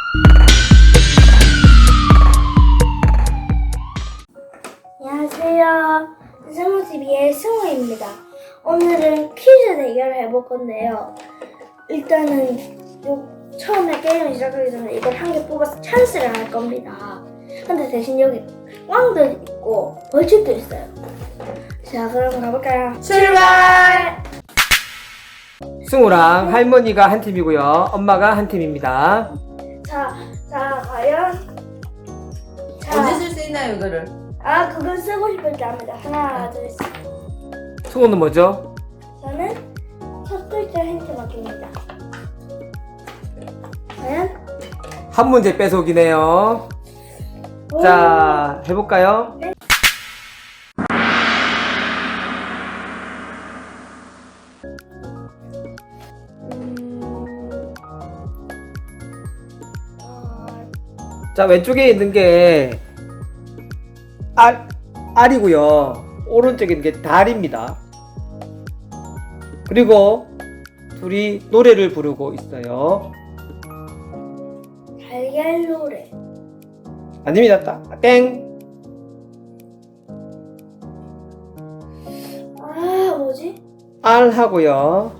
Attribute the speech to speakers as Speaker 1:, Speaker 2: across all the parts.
Speaker 1: 안녕하세요. 승우TV의 승우입니다. 오늘은 퀴즈 대결을 해볼 건데요. 일단은 처음에 게임을 시작하기 전에 이걸 한 개 뽑아서 찬스를 할 겁니다. 근데 대신 여기 꽝도 있고 벌칙도 있어요. 자, 그럼 가볼까요?
Speaker 2: 출발!
Speaker 3: 승우랑 할머니가 한 팀이고요. 엄마가 한 팀입니다.
Speaker 1: 자, 과연
Speaker 2: 언제 쓸 수 있나요, 이거를?
Speaker 1: 그건 쓰고 싶을 때 합니다. 하나, 둘, 셋.
Speaker 3: 승우는 뭐죠?
Speaker 1: 저는 첫 글자 힌트 맡깁니다. 과연?
Speaker 3: 한 문제 뺏어오기네요.
Speaker 1: 오.
Speaker 3: 자, 해볼까요?
Speaker 1: 네.
Speaker 3: 자, 왼쪽에 있는 게 알이고요. 오른쪽에 있는 게 달입니다. 그리고 둘이 노래를 부르고 있어요.
Speaker 1: 달걀 노래.
Speaker 3: 아닙니다. 땡.
Speaker 1: 뭐지?
Speaker 3: 알하고요.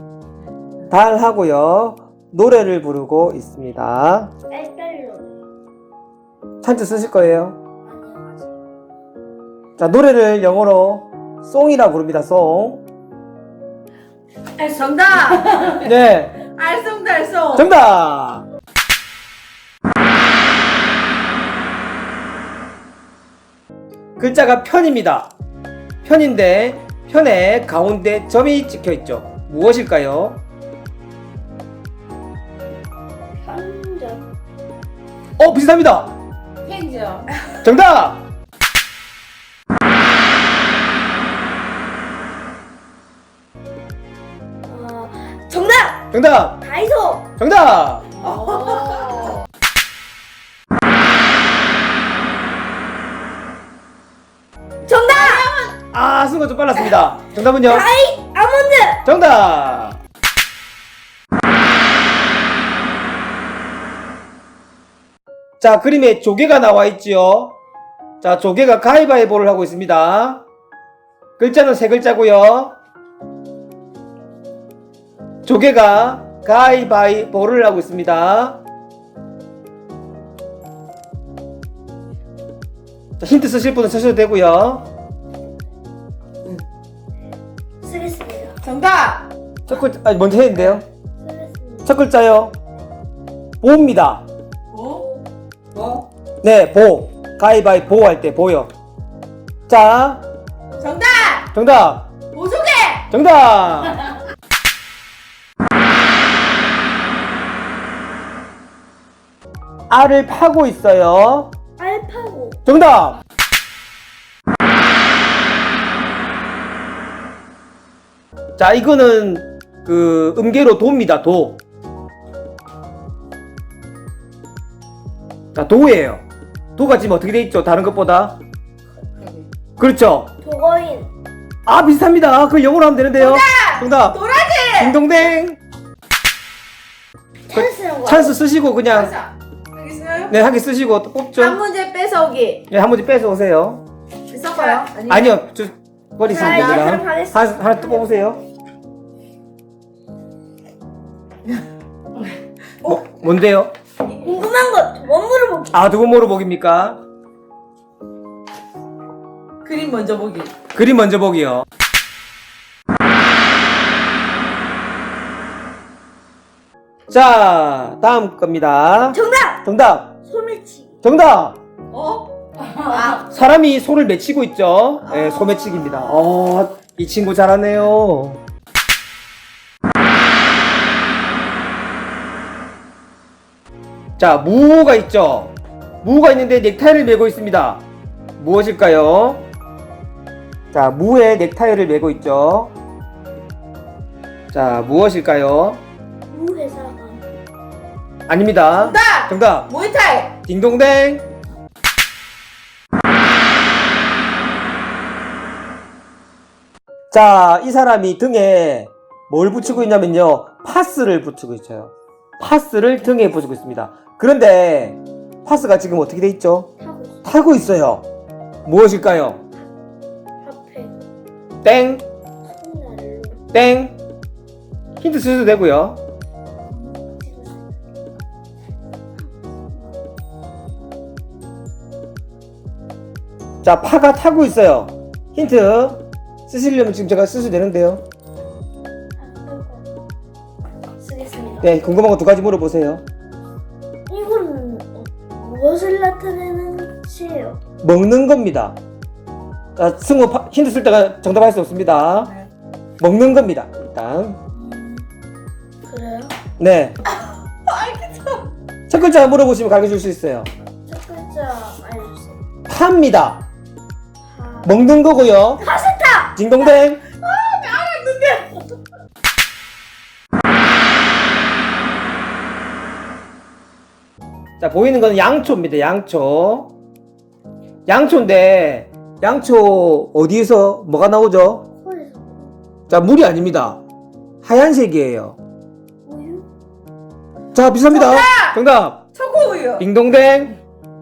Speaker 3: 달하고요. 노래를 부르고 있습니다.
Speaker 1: 딸딸 노래.
Speaker 3: 찬스 쓰실 거예요.
Speaker 1: 아니요, 아직.
Speaker 3: 자, 노래를 영어로 송이라고 부릅니다. 송.
Speaker 2: 정답!
Speaker 3: 네,
Speaker 2: 알쏭달쏭!
Speaker 3: 정답. 글자가 편입니다. 편인데 편의 가운데 점이 찍혀 있죠. 무엇일까요?
Speaker 1: 편전.
Speaker 3: 비슷합니다.
Speaker 2: 펜죠.
Speaker 3: 정답.
Speaker 1: 정답!
Speaker 3: 정답.
Speaker 1: 다이소!
Speaker 3: 정답.
Speaker 1: 정답!
Speaker 3: 순간 좀 빨랐습니다. 정답은요?
Speaker 1: 아몬드!
Speaker 3: 정답. 자, 그림에 조개가 나와 있지요. 자, 조개가 가위바위보를 하고 있습니다. 글자는 세 글자고요. 조개가 가위바위보를 하고 있습니다. 자, 힌트 쓰실 분은 쓰셔도 되고요.
Speaker 1: 쓰겠습니다.
Speaker 2: 정답!
Speaker 3: 첫 글자, 먼저 했는데요.
Speaker 1: 쓰겠습니다.
Speaker 3: 첫 글자요. 보입니다.
Speaker 2: 뭐? 뭐?
Speaker 3: 네, 보. 가위바위보 할 때 보여. 자,
Speaker 2: 정답!
Speaker 3: 정답.
Speaker 2: 보조개!
Speaker 3: 정답. 알을 파고 있어요.
Speaker 1: 알파고.
Speaker 3: 정답. 자, 이거는 그 음계로 도입니다. 도. 자, 도예요. 도가 지금 어떻게 돼 있죠? 다른 것보다. 그렇죠.
Speaker 1: 도거인.
Speaker 3: 비슷합니다. 그걸 영어로 하면 되는데요. 정답.
Speaker 2: 도라지!
Speaker 3: 딩동댕.
Speaker 1: 찬스는 거.
Speaker 3: 찬스 쓰시고 그냥
Speaker 2: 알겠어요?
Speaker 3: 네, 한 개 쓰시고 또 뽑죠.
Speaker 2: 한 문제 뺏어오기.
Speaker 3: 네, 한 문제 빼서 오세요.
Speaker 2: 뺏어가요?
Speaker 3: 아니요, 저 버리시면
Speaker 1: 자, 이제 그럼
Speaker 3: 됩니다.
Speaker 1: 하겠습니다.
Speaker 3: 하나 또 뽑으세요. 뭔데요?
Speaker 1: 궁금한 거 두 번 물어보기.
Speaker 3: 두번 물어보기입니까?
Speaker 2: 그림 먼저 보기.
Speaker 3: 그림 먼저 보기요. 자, 다음 겁니다.
Speaker 1: 정답!
Speaker 3: 정답.
Speaker 1: 소매치기.
Speaker 3: 정답.
Speaker 2: 사람이
Speaker 3: 사람이 소를 맺히고 있죠. 네, 소매치기입니다. 이 친구 잘하네요. 자, 무가 있죠. 무가 있는데 넥타이를 메고 있습니다. 무엇일까요? 자, 무에 넥타이를 메고 있죠. 자, 무엇일까요?
Speaker 1: 무회사관.
Speaker 3: 아닙니다.
Speaker 2: 정답!
Speaker 3: 정답.
Speaker 2: 모이타이!
Speaker 3: 딩동댕. 자, 이 사람이 등에 뭘 붙이고 있냐면요. 파스를 붙이고 있어요. 파스를 등에 부수고 있습니다. 그런데 파스가 지금 어떻게 돼 있죠?
Speaker 1: 타고 있어.
Speaker 3: 타고 있어요. 무엇일까요?
Speaker 1: 앞에
Speaker 3: 땡,
Speaker 1: 손날로
Speaker 3: 땡. 힌트 쓰셔도 되고요. 자, 파가 타고 있어요. 힌트 쓰시려면 지금 제가 쓰셔도 되는데요.
Speaker 1: 쓰겠습니다.
Speaker 3: 네, 궁금한 거 두 가지 물어보세요.
Speaker 1: 이거는 무엇을 나타내는 시예요?
Speaker 3: 먹는 겁니다. 자, 승우 힌트 쓸 때가 정답할 수 없습니다.
Speaker 2: 네.
Speaker 3: 먹는 겁니다. 일단.
Speaker 1: 그래요?
Speaker 3: 네. 첫 글자 물어보시면 가르쳐 줄 수 있어요.
Speaker 1: 첫 글자 알려주세요.
Speaker 3: 파입니다.
Speaker 1: 파.
Speaker 3: 먹는 거고요.
Speaker 1: 파스타!
Speaker 3: 딩동댕. 자, 보이는 건 양초입니다. 양초. 양초인데 양초 어디에서 뭐가 나오죠?
Speaker 1: 코에서
Speaker 3: 자, 물이 아닙니다. 하얀색이에요.
Speaker 1: 우유?
Speaker 3: 자, 비슷합니다. 정답.
Speaker 2: 초코우유.
Speaker 3: 딩동댕.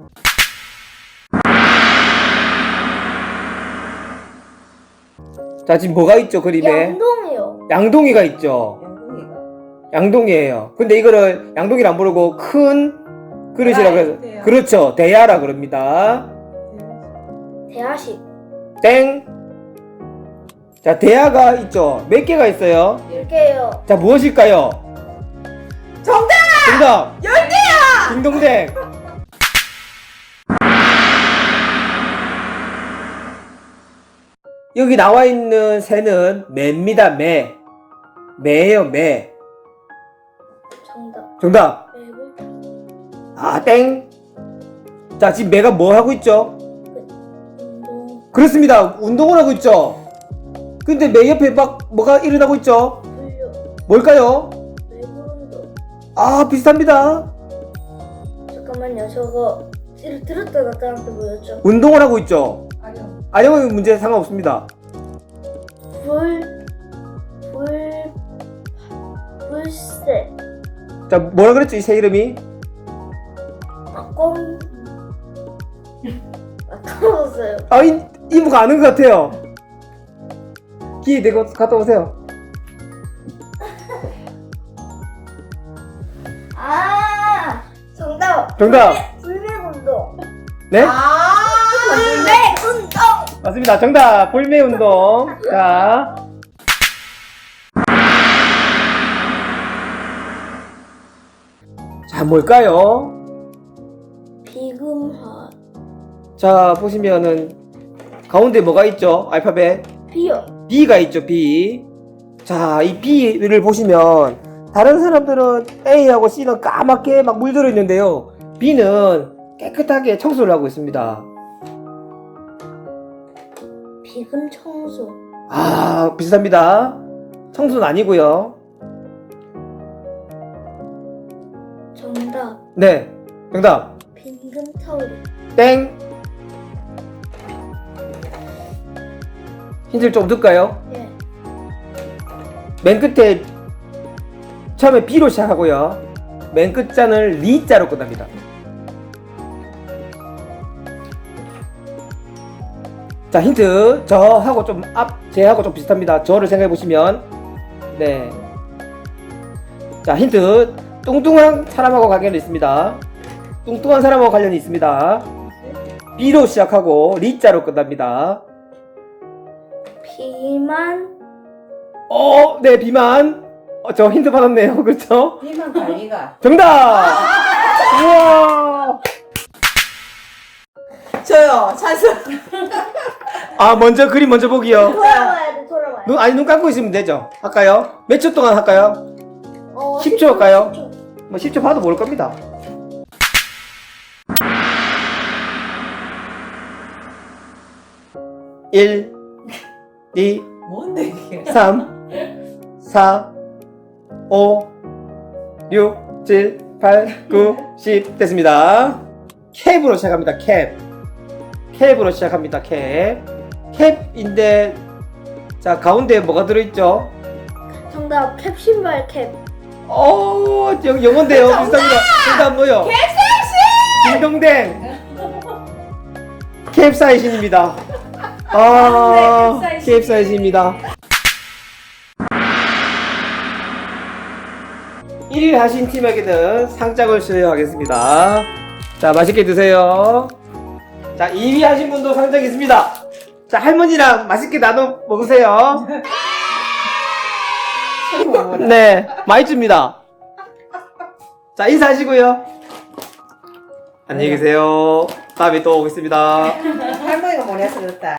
Speaker 3: 자, 지금 뭐가 있죠, 그림에?
Speaker 1: 양동이요.
Speaker 3: 양동이가 있죠.
Speaker 2: 양동이가.
Speaker 3: 양동이에요. 근데 이거를 양동이를 안 부르고 큰 그릇이라고 해서
Speaker 2: 대야.
Speaker 3: 그렇죠. 대야라 그럽니다.
Speaker 1: 대하식.
Speaker 3: 땡. 자, 대야가 있죠. 몇 개가 있어요?
Speaker 1: 1개요.
Speaker 3: 자, 무엇일까요?
Speaker 2: 정답!
Speaker 3: 정답.
Speaker 2: 10개야!
Speaker 3: 딩동댕. 여기 나와 있는 새는 매입니다. 매. 매예요, 매.
Speaker 1: 정답.
Speaker 3: 정답.
Speaker 1: 매불.
Speaker 3: 아, 땡. 자, 지금 매가 뭐 하고 있죠?
Speaker 1: 운동.
Speaker 3: 그렇습니다. 운동을 하고 있죠. 근데 매 옆에 막 뭐가 일어나고 있죠?
Speaker 1: 분류.
Speaker 3: 뭘까요?
Speaker 1: 매불운동.
Speaker 3: 아, 비슷합니다.
Speaker 1: 잠깐만요. 저거 들었다 놨다 한테 뭐였죠?
Speaker 3: 운동을 하고 있죠.
Speaker 2: 아니요.
Speaker 3: 아니면 문제 상관없습니다.
Speaker 1: 불새.
Speaker 3: 자, 뭐라 그랬죠? 이 새 이름이?
Speaker 1: 껌. 까먹었어요.
Speaker 3: 아, 이모가 아는 것 같아요. 기회 되고 갔다 오세요.
Speaker 1: 아, 정답.
Speaker 3: 정답.
Speaker 1: 불매운동.
Speaker 3: 네?
Speaker 1: 불매운동.
Speaker 3: 맞습니다. 정답. 볼매 운동. 자. 자, 뭘까요?
Speaker 1: 비금화.
Speaker 3: 자, 보시면은 가운데 뭐가 있죠? 알파벳
Speaker 1: 비요.
Speaker 3: B가 있죠. B. 자, 이 B를 보시면 다른 사람들은 A하고 C는 까맣게 막 물들어 있는데요. B는 깨끗하게 청소를 하고 있습니다.
Speaker 1: 비금 청소.
Speaker 3: 아, 비슷합니다. 청소는 아니고요.
Speaker 1: 정답.
Speaker 3: 네, 정답.
Speaker 1: 빈금 타올.
Speaker 3: 땡. 힌트를 좀 줄까요?
Speaker 1: 예.
Speaker 3: 맨 끝에 처음에 B로 시작하고요. 맨 끝자는 리자로 끝납니다. 자, 힌트. 저하고 좀 제하고 좀 비슷합니다. 저를 생각해 보시면 네. 자, 힌트. 뚱뚱한 사람하고 관련이 있습니다. 뚱뚱한 사람하고 관련이 있습니다. B로 시작하고 리자로 끝납니다.
Speaker 1: 비만.
Speaker 3: 네, 비만. 저 힌트 받았네요. 그렇죠?
Speaker 2: 비만 관리가.
Speaker 3: 정답! 우와!
Speaker 2: 저요. 찬스.
Speaker 3: 아, 먼저 그림 먼저 보기요.
Speaker 1: 돌아와야 돼, 돌아와야 돼.
Speaker 3: 눈 감고 있으면 되죠. 할까요? 몇 초 동안 할까요? 10초
Speaker 1: 10초
Speaker 3: 할까요?
Speaker 1: 10초.
Speaker 3: 뭐 10초 봐도 모를 겁니다. 1, 2,
Speaker 2: 뭔데 이게?
Speaker 3: 3, 4, 5, 6, 7, 8, 9, 10 됐습니다. 캡으로 시작합니다. 캡으로 시작합니다. 캡인데 자, 가운데 뭐가 들어있죠?
Speaker 1: 정답. 캡 신발 캡.
Speaker 3: 영어인데요. 비슷합니다. 정답 뭐요? 딩동댕. 캡사이신입니다.
Speaker 2: 네,
Speaker 3: 캡사이신입니다. 1위 하신 팀에게는 상장을 수여하겠습니다. 자, 맛있게 드세요. 자, 2위 하신 분도 상장 있습니다. 자, 할머니랑 맛있게 나눠 먹으세요. 네, 많이 줍니다. 자, 인사하시고요. 안녕히 계세요. 다음에 또 오겠습니다.
Speaker 2: 할머니가 보내서 그렇다.